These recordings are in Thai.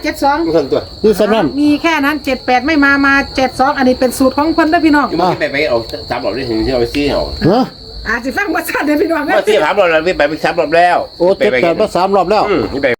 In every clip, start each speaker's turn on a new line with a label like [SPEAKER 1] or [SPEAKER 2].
[SPEAKER 1] 72
[SPEAKER 2] มันตัว
[SPEAKER 3] คือสำนั้น
[SPEAKER 1] มีแค่นั้น78ไม่มา72อันนี้เป็นสูตรของเพิ่นเด้อพี่น้อง
[SPEAKER 2] มันไปเอา3 รอบได้ถึงที่เอาไปซี่เอา
[SPEAKER 3] เฮ้อ
[SPEAKER 1] อาจสิฟังบ่ชัดเด้อพี่น้อง
[SPEAKER 2] ว่าซี่3 รอบแล้วไป3 รอบแล้ว
[SPEAKER 3] โอ้78มา3 รอบแล้ว
[SPEAKER 2] นี่ไป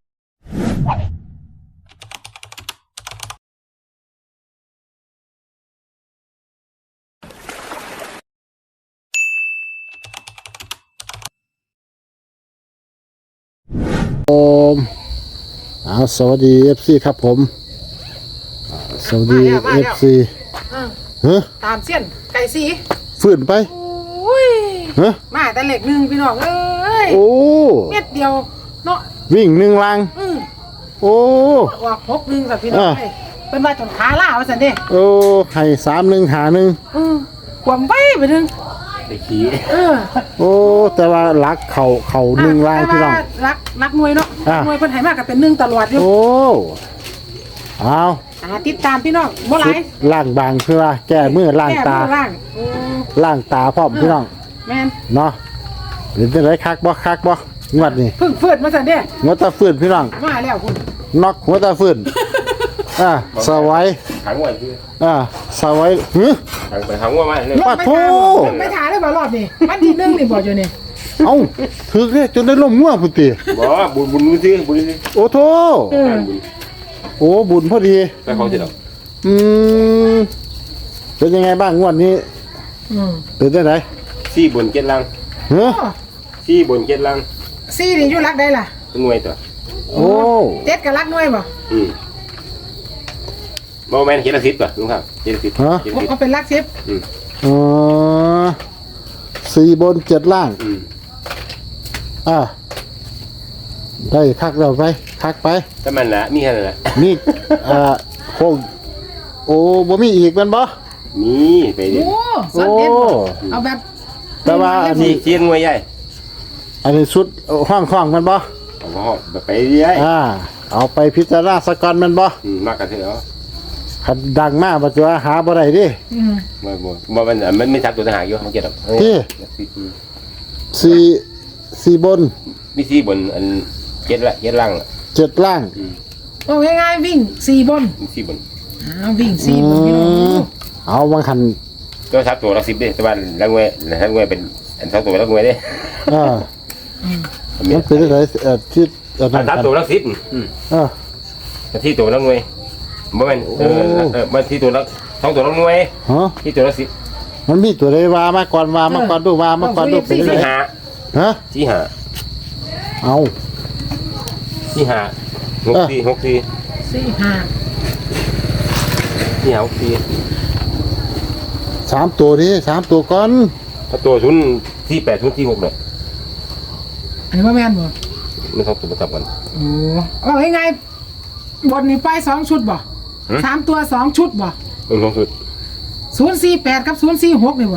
[SPEAKER 3] สวัสดี FC ครับผมสวัสดี FC เฮ้อ
[SPEAKER 1] ตามเส้นไก่สี
[SPEAKER 3] ฟื้นไป
[SPEAKER 1] อุ้ย
[SPEAKER 3] เฮ้อ
[SPEAKER 1] มาแต่เลข1พี่น้องเอ้ย
[SPEAKER 3] โอ้
[SPEAKER 1] เม็ดเดียวเนาะ
[SPEAKER 3] วิ่ง1ลังโอ้
[SPEAKER 1] ออก61ค่ะพี่น้องเอ้ยเพิ่นว่าจนขาล้าว่าซั่นเด้
[SPEAKER 3] โอ้ให้31หา1
[SPEAKER 1] ความไว้ไปนึง
[SPEAKER 2] ไอ้ขี้
[SPEAKER 3] โอ้แต่ว่ารักเขา1ลังพี่น้อง
[SPEAKER 1] รักหน่วยเนาะหน่วยเพิ่นให้มาก็เป็น1ตลอดอยู่
[SPEAKER 3] โอ้เอา
[SPEAKER 1] ติดตามพี่น้องบ่หลาย
[SPEAKER 3] ล่างบางคือว่าแก้มือล่างตา
[SPEAKER 1] แก้มือล่าง
[SPEAKER 3] ล่างตาพร้อมพี่น้อง
[SPEAKER 1] แม่น
[SPEAKER 3] เนาะเป็นจังไดคักบ่งวดนี้
[SPEAKER 1] เพิ่งเฟิดมาซั่นเด้
[SPEAKER 3] งวดตาฟื้นพี่น้อง
[SPEAKER 1] มาแล้วคุณ
[SPEAKER 3] น็อกหัวตาฟื้นสวัย
[SPEAKER 2] ขังไว้คือ
[SPEAKER 3] สวัย
[SPEAKER 2] ขังไว้มาเลย
[SPEAKER 3] ปะโถ
[SPEAKER 1] ไม่ถ่ายได้บ่รอบนี้วันที่1นี่บ่อยู่นี่
[SPEAKER 3] เอ้าถึกเนี่ยจนได้ล่มง่วงพุ่นติ
[SPEAKER 2] บ่บุญซื้อบุญซื้อ
[SPEAKER 3] โอ้โถโอ้บุญพอดี
[SPEAKER 2] ไปของที่เรา
[SPEAKER 3] เป็นยังไงบ้างงวดนี้เป็นจังได
[SPEAKER 2] ซี่บนเจ็ดลัง
[SPEAKER 3] เฮ้อ
[SPEAKER 2] ซี่บนเจ็ดลัง
[SPEAKER 1] ซี่นี่อยู่รักได้ล่ะ
[SPEAKER 2] หน่วยตัว
[SPEAKER 3] โอ้
[SPEAKER 1] 7ก็รักหน่วยบ่
[SPEAKER 2] บ่แม่นเจ็ดละ10ป่ะลุงครับเจ็ดละ10
[SPEAKER 1] เอาเป็นรัก10
[SPEAKER 3] อ๋อ4 บน 7 ล่างได้คักแล้วไปคักไป
[SPEAKER 2] แต่มันน่ะมีแค่นั้นน่ะ
[SPEAKER 3] มีโคงโอ้บ่มีอีกแมันบ่
[SPEAKER 2] มีไปดิ
[SPEAKER 1] โอ้สอนเด็ดบ่เอาแบบ
[SPEAKER 3] แต่ว่าอัน
[SPEAKER 2] ซี่
[SPEAKER 3] นี้
[SPEAKER 2] เจียนหน่วยใหญ่
[SPEAKER 3] อันนี้ชุดห้องมันบ่
[SPEAKER 2] เอาไปเรื่อย
[SPEAKER 3] เอาไปพิจารณาสกอนแมันบ่
[SPEAKER 2] มากกันเถอะ
[SPEAKER 3] คันดังมากบ่จะว่าหาบ่ได้ดิ
[SPEAKER 2] บ่มันไม่ทับตัวทหารอยู่มันเก็บ
[SPEAKER 3] 4 บน
[SPEAKER 2] มีซี่บนอันเจ็ดลัง
[SPEAKER 3] 7 ล่าง
[SPEAKER 1] เอาง่ายๆวิ่ง4บน
[SPEAKER 2] มีซี่บน
[SPEAKER 1] วิ่ง4บนพี่น้อง
[SPEAKER 3] เอาบางคัน
[SPEAKER 2] ก็ทับตัวละ10ดิแต่ว่าลังเวยเป็นอันทับตัวลังเวยดิ
[SPEAKER 3] มันเป็นอะไรที่
[SPEAKER 2] ทับตัวละ10ที่ตัวลังเวยบ่แม่นมันที่ตัวละ2ตัวลังเวยที่ตัวละ10
[SPEAKER 3] มันมีตัวใดว่ามาก่อนดูเป็นจังได๋
[SPEAKER 2] ที่หา
[SPEAKER 3] เอา
[SPEAKER 2] ที่หา6 4 6 4
[SPEAKER 1] 4 5
[SPEAKER 2] ที่หา6
[SPEAKER 3] 3 ตัวนี้3 ตัวก่อน
[SPEAKER 2] 4ถ้าตัว0ที่8 0ที่6เนี่ย
[SPEAKER 1] อันนี้ว่าแม่นบ่
[SPEAKER 2] มัน2ตัวมาทับกัน
[SPEAKER 1] โอ้เอาง่ายๆบนนี้ไป2ชุดบ่3ตัว2ชุดบ่
[SPEAKER 2] มัน2ชุด
[SPEAKER 1] 048กับ046นี่บ่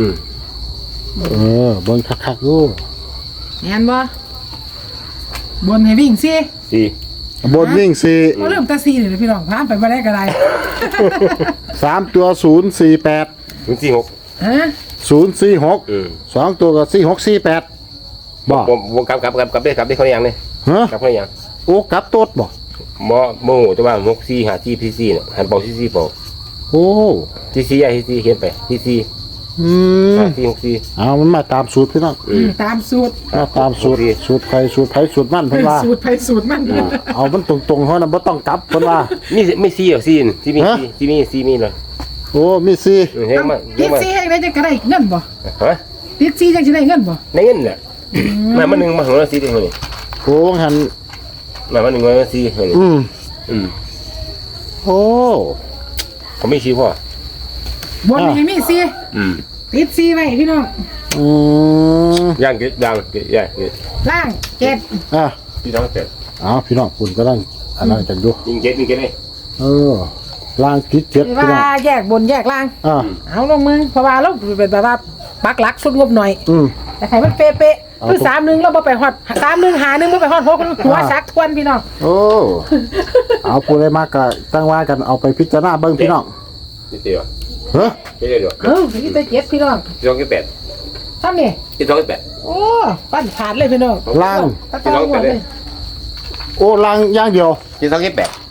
[SPEAKER 3] เบิ่งคักๆดู
[SPEAKER 1] แม่นบ่บนให้วิ่งสิ
[SPEAKER 2] 4
[SPEAKER 3] บนวิ่ง
[SPEAKER 1] บ่ลืมแต่4นี่พี่น้องพาไปบ่ได้ก็ได้
[SPEAKER 3] 4 3 ตัว048
[SPEAKER 2] 0 4 6
[SPEAKER 3] 046 2 ตัวก็4648บ่
[SPEAKER 2] ผมกลับได้เขาอย่างเลยกลับเขาอย่าง
[SPEAKER 3] โอ้กลับโตดบ่
[SPEAKER 2] โมโหแต่ว่า6 4หาที่พี่4เนี่ยหันเป่าที่4เป่า
[SPEAKER 3] โอ้
[SPEAKER 2] ที่4ใหญ่ที่4เขียนไปที่4ที่6 4
[SPEAKER 3] เอามันมาตามสูตรพี่น้อง
[SPEAKER 1] ตามสูตร
[SPEAKER 3] มาตามสูตรใครสูตรไผสูตรมันเพิ่นว่า
[SPEAKER 1] สูตรไผสูตรมัน
[SPEAKER 3] เอามันตรงๆเฮาน่ะบ่ต้องกลับเพิ่นว่า
[SPEAKER 2] มี4อ่ะ4ที่มี4ที่มี4มีเลย
[SPEAKER 3] โอ้มี4
[SPEAKER 2] เฮ้ยมา
[SPEAKER 1] ติด4ให้ได้จะได้เงินบ่
[SPEAKER 2] ฮะ
[SPEAKER 1] ติด4จังสิได้เงินบ่
[SPEAKER 2] ในเงินน่ะมา1มาของเรา4ได้เท่านี้
[SPEAKER 3] โอ้หัน
[SPEAKER 2] มา1มา4เท่านี้
[SPEAKER 3] โอ้
[SPEAKER 2] เขาไม่ชี้พ่อบ
[SPEAKER 1] นนี้มี4ติด4ไว้พี่น้อง
[SPEAKER 2] ย่างเกย่างใหญ่
[SPEAKER 1] ล่าง7
[SPEAKER 2] พี่น้องเสร็จ
[SPEAKER 3] พี่น้องคุณก็ต้องอันนั้นจังดู
[SPEAKER 2] ยิงเก็ตเลย
[SPEAKER 3] ล่างคิดเจ็ดพี่น้อง
[SPEAKER 1] ว่าแยกบนแยกล่างเอาลงมือเพราะว่าเราเป็นแบบว่าปักหลักชุดงบหน่อยแต่ให้มันเป๊ะๆคือ31เราบ่ไปฮอด31หา1บ่ไปฮอด6หัวซักทวนพี่น้อง
[SPEAKER 3] โอ้เอาผู้ใดมากก็ตั้งว่ากันเอาไปพิจารณาเบิ่งพี่น้อง
[SPEAKER 2] นิดเดียว
[SPEAKER 3] เฮ้อ
[SPEAKER 2] เดี๋ยว
[SPEAKER 1] นี่แต่7พี่น้อง
[SPEAKER 2] พี่น้อง8
[SPEAKER 1] ทำนี่
[SPEAKER 2] พี่น้อง8
[SPEAKER 1] โอ้ปั้นขาดเลยพี่น้อง
[SPEAKER 3] ล่าง
[SPEAKER 2] พี่น้อง8เลย
[SPEAKER 3] โอ้ล่างอย่างเดียว
[SPEAKER 2] พี่น้อง8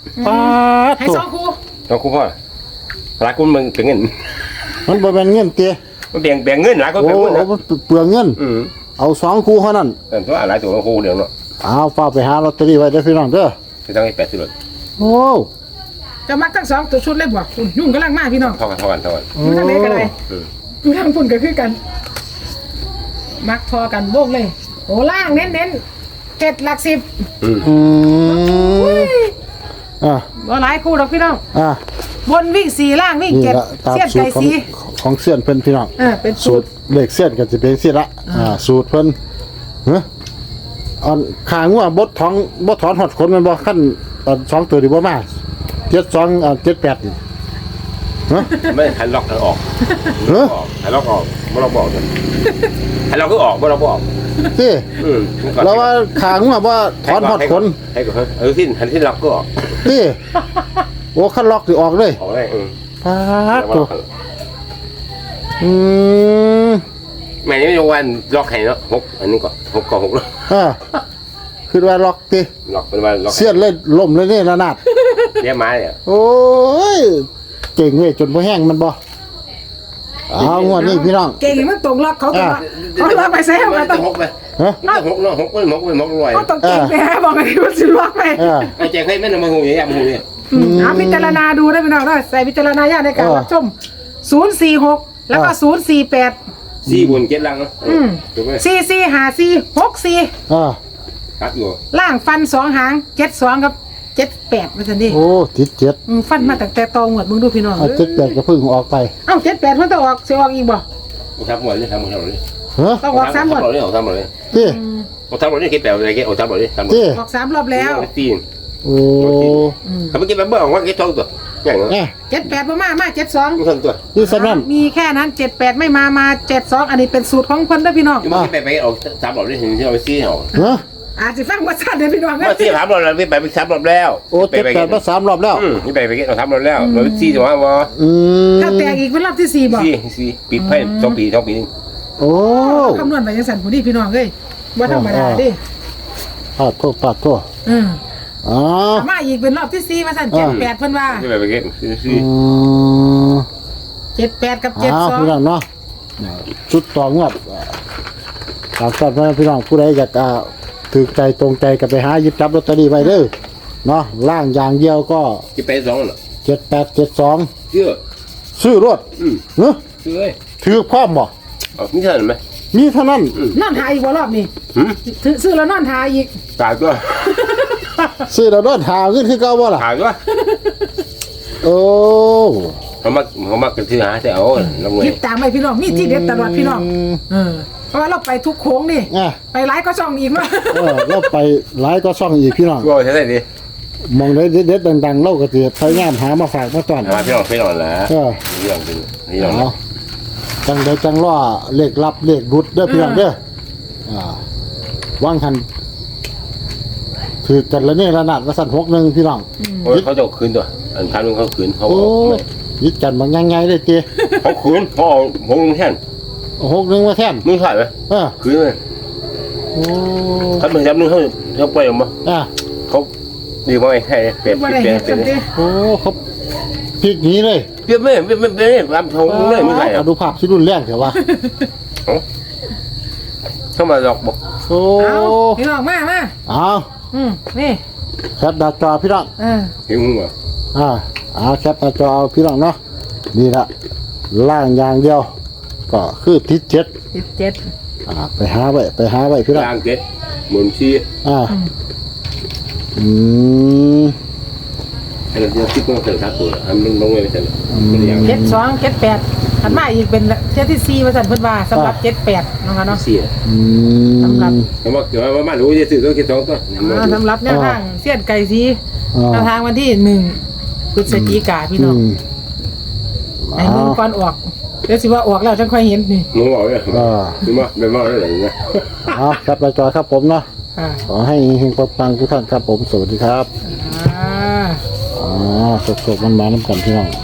[SPEAKER 3] ป้าด
[SPEAKER 1] ให้
[SPEAKER 3] ตัว
[SPEAKER 1] สองคู่
[SPEAKER 2] ต้องคู่พ่อหลายคนมึงเป็นเงิน
[SPEAKER 3] มันบ่แม่นเงินเตี้ย
[SPEAKER 2] มันแบ่งเงินหลายคน
[SPEAKER 3] โอ้
[SPEAKER 2] เป็นเงินนะ
[SPEAKER 3] มันเปลืองเงิน เอา2คู่เท่านั้น
[SPEAKER 2] แต่ตัวหลายตัวคู่เดียวเนาะ
[SPEAKER 3] เอาฝากไปหาลอตเตอรี่ไว้เด้อพี่น้องเด้อ
[SPEAKER 2] จะต้องให้80รถ
[SPEAKER 3] โอ้
[SPEAKER 1] จะมักทั้งสองตัวชุดเลยบ่คุณยุ่งกำลังมากพี่น้อง
[SPEAKER 2] เท่ากัน
[SPEAKER 1] อยู่ทางไหนกันเลยอยู่ทางฝุ่นก็คือกัน มักทอกันโบกเลยโอ้ล่างเน้นเจ็ดหลักสิบ
[SPEAKER 3] อืมอ่ะ
[SPEAKER 1] บ่หลายคู่ดอกพี่น้อง
[SPEAKER 3] อ่ะ
[SPEAKER 1] บนวิ่งสี่ล่างวิ่ง
[SPEAKER 3] นี่
[SPEAKER 1] เจ็ด
[SPEAKER 3] ละตาม
[SPEAKER 1] เสี้ยน
[SPEAKER 3] สู
[SPEAKER 1] ไก่
[SPEAKER 3] ตรของ
[SPEAKER 1] สี
[SPEAKER 3] ของเสี้ยนเพิ่นพี่น้อง
[SPEAKER 1] เป็นสู
[SPEAKER 3] สู
[SPEAKER 1] ต
[SPEAKER 3] ต
[SPEAKER 1] ร
[SPEAKER 3] รเลขเสี้ยนก็จะเป็นสิละสูตรเพิ่นเฮ้อันข้างว่าบ่ถอนหอดขนมันบ่คั่นอัน2ตัวนี่บ่มา7278นี่ฮะ
[SPEAKER 2] ไม่หันล็อกออก
[SPEAKER 3] เฮ้อ
[SPEAKER 2] หันล็อกออกไม่ล็อกบอกกันหันล็อกก็ออกไม่ล็อกบอก
[SPEAKER 3] ติ
[SPEAKER 2] อืม
[SPEAKER 3] แล้วว่าข้างว่าบ่ถอนหอดขน
[SPEAKER 2] ให้ก่อนหันที่ล็อกก็ออก
[SPEAKER 3] ติโอ้คันล็อกสิออกเลย
[SPEAKER 2] ออกได้
[SPEAKER 3] ปาดตัวอืม
[SPEAKER 2] แม่นี่ไม่ยวันล็อกให้เนาะ6อันนี้ก่อน6ก่อน6แล้ว
[SPEAKER 3] คือว่าล็อกติ
[SPEAKER 2] ล็อกเป็นว่าล็อก
[SPEAKER 3] เสี้ยนเลยล่มเลยนี่ระนาด
[SPEAKER 2] เรียกไม้เนี่ย
[SPEAKER 3] โอ้ยเก่งเว้ยจนบ่แห้งมันบ่เอางวดนี้พี่น้อง
[SPEAKER 1] เก่งมันตรงล็อกเขาต้องเขาล็อกไปใส่เขาต้อง
[SPEAKER 2] 6ไป
[SPEAKER 3] ฮะ
[SPEAKER 2] 6เนาะ6เป็น6รวย
[SPEAKER 1] เขาต้องเก่งไปฮะบอกไงว่าสิล็อกไป
[SPEAKER 2] ไอ้แจกให้แม่นมาหูเนี่ยมาหูเนี่ย
[SPEAKER 1] พิจารณาดูได้พี่น้องได้ใส่พิจารณาญาณในการรับชม046แล้วก็048
[SPEAKER 2] 4 บน 7 ลังเนาะถูกไหม
[SPEAKER 1] 445464
[SPEAKER 2] ครับอยู่
[SPEAKER 1] ล่างฟัน2หาง72กับ78ว่าซั่นดิ
[SPEAKER 3] โอ้ติดเจ็ด
[SPEAKER 1] ฟันมาตั้งแต่ตองหมดมึงดูพี่น้อง
[SPEAKER 3] เอา78ก็เพิ่งออกไป
[SPEAKER 1] เอ้า78เพิ่นต้องออกสิออกอีกบ่
[SPEAKER 2] ทำหมดเลยทำหมดเลย
[SPEAKER 3] ฮะ
[SPEAKER 1] ต้องออก3หมด
[SPEAKER 2] เลยทำหมดเลย
[SPEAKER 3] ติ
[SPEAKER 2] ทำหมดเลยคิดแบบอะไรกี่ทำหมดเลยทำหมด
[SPEAKER 3] ติ
[SPEAKER 1] ออก3รอบแล้ว
[SPEAKER 2] ตีน
[SPEAKER 3] โอ้
[SPEAKER 2] เขาไม่กินแบบเบอร์ของว่ากี่ท้องตัวอย่างนั้น
[SPEAKER 3] แน่
[SPEAKER 1] 78บ่มา72
[SPEAKER 2] ไม่ท้องตัว
[SPEAKER 3] นี่สำนั้น
[SPEAKER 1] มีแค่นั้น78ไม่มา72อันนี้เป็นสูตรของเพิ่นเด้อพี่น้อง
[SPEAKER 2] ยังไม่ไปออก3 รอบได้เห็นที่เราไปซีเอา
[SPEAKER 3] ฮะ
[SPEAKER 1] อาจสิฟังว่าซั่นเด้อพี่น้อง
[SPEAKER 2] ว่าซี3 รอบแล้วไป3 รอบแล้ว
[SPEAKER 3] โอ้78มา3รอบแล้ว
[SPEAKER 2] นี่ไปเอา3 รอบแล้วเราไปซีถูกไหมวะ
[SPEAKER 3] อืม
[SPEAKER 1] ถ้าแตกอีกเป็นรอบที่4บ่
[SPEAKER 2] ซีปิดไพ่2 ปีนึง
[SPEAKER 3] โอ้
[SPEAKER 1] คำนวณไปจังซั่นผู้นี้พี่น้องเอ้ยบ่ธรรมดาเด้
[SPEAKER 3] ปาดโทษ
[SPEAKER 1] อือ
[SPEAKER 3] อ๋อ
[SPEAKER 1] มาอีกเป็นรอบที่4ว่าซั่น78เพิ่นว่า
[SPEAKER 2] ไม่ไปซี
[SPEAKER 1] 78กับ
[SPEAKER 3] พี่น้องเนาะชุดต่องวดตามสัตว์พี่น้องผู้ใดอยากถือใจตรงใจกับไปหาหยิบจับลอตเตอรี่ไว้เด้อเนาะล่างอย่างเดียวก็
[SPEAKER 2] จะไป2หรอ
[SPEAKER 3] 7872
[SPEAKER 2] เชื่อ
[SPEAKER 3] ซื้อรถเนาะ
[SPEAKER 2] ซื้อเลย
[SPEAKER 3] ถือพร้อมบ่
[SPEAKER 2] นี่เท่านั้นไหม
[SPEAKER 3] มีเท่านั้น
[SPEAKER 1] นอนทาอีกบ่รอบนี้ซื้อแล้วนอนทาอีก
[SPEAKER 2] ตายตัว
[SPEAKER 3] ซื้อแล้วรถหาขึ้นคือเก่าบ่ล่ะ
[SPEAKER 2] ตายตัว
[SPEAKER 3] โอ้
[SPEAKER 2] เขามากันที่หาแต่เอาลงเงิ
[SPEAKER 1] คิ
[SPEAKER 2] น
[SPEAKER 1] ดตามไปพี่น้องมีที่เด็ดตลอดพี่น้องเพราะว่าเราไปทุกโค้งนี่
[SPEAKER 3] อ่ะ
[SPEAKER 1] ไปหลายก็ช่องอีกเนาะ
[SPEAKER 3] เราไปหลายก็ช่องอีกพี่น้อง
[SPEAKER 2] ก็ใช่ไหมดิ
[SPEAKER 3] มองได้เด็ดๆดังๆเล่าก็สิพยายามหามาฝากมาตอน
[SPEAKER 2] พี่น้องแหละนี่ลองนี่ลอง
[SPEAKER 3] เอาจังได้จังล่อเลขลับเลขรุดเด้อพี่น้องเด้อวางหันถือกันแล้วนี่ระนาดว่าสั่น61พี่น้อง
[SPEAKER 2] โอ้ยเขาจะคืนตัวอันคันนึงเขาคืนเขา
[SPEAKER 3] โอ้ยิดกันบางยังไงเลยเจ้
[SPEAKER 2] เขาคืนเขาผมแท่น
[SPEAKER 3] 61มาแท่น
[SPEAKER 2] มึงใช่ไหม คืนเลย
[SPEAKER 3] โอ้
[SPEAKER 2] ถ้ามึงจำนึงเขาไปหรือเปล่าเขาดีมากแค่เปลี่ยน
[SPEAKER 1] บ่ได้เห็นสันติ
[SPEAKER 3] โอ้เขาพลิกหนี้เลย
[SPEAKER 2] เปลี่ยนไม่รำทงเลยไม่ใช่
[SPEAKER 3] ดูภาพที่รุนแรงเถอะวะ
[SPEAKER 2] เข้ามาหลอกบอก
[SPEAKER 3] โอ้
[SPEAKER 1] เอาพี่น้องมา
[SPEAKER 3] เอา
[SPEAKER 1] นี่
[SPEAKER 3] แคปหน้าจอพี่น้อง
[SPEAKER 2] เห็นมึงเหรอ
[SPEAKER 3] เอาแคปหน้าจอเอาพี่น้องเนาะนี่ละล่างอย่างเดียว ก็คือทิศเจ็ด
[SPEAKER 1] 17
[SPEAKER 3] ไปหาไว้พี่น้อง
[SPEAKER 2] ล่างเจ็ดหมุนชี้ ไอ้เราคิดว่าเกิดทักตัวมันลงไปเสร็จมันอย่าง
[SPEAKER 1] 72 78ถัดมาอีกเป็นเที่ยที่4ว่าซั่นเพิ่นว่าสำหรับ78นะคะเนาะ
[SPEAKER 2] เสีย
[SPEAKER 1] สำหรับ
[SPEAKER 2] เขาบอกเดี๋ยวว่ามาดูจะซื้อตัวคิด2ตัว
[SPEAKER 1] สำหรับแนวทางเสี้ยนไก่สีแนวทางวันที่1พฤศจิกายนพี่น้องไอ้มึงก่อนออกเดี๋ยวสิว่าออกแล้วจังค่อยเห็นนี่
[SPEAKER 2] มึงบอกเลยมึงมาเป็นมาได้หรือไง
[SPEAKER 3] เอาแคปหน้าจอครับผมเนาะขอให้เฮงปังทุกท่านครับผมสวัสดีครับ
[SPEAKER 1] อ่า
[SPEAKER 3] สดๆมันมาน้ำกันพี่น้อง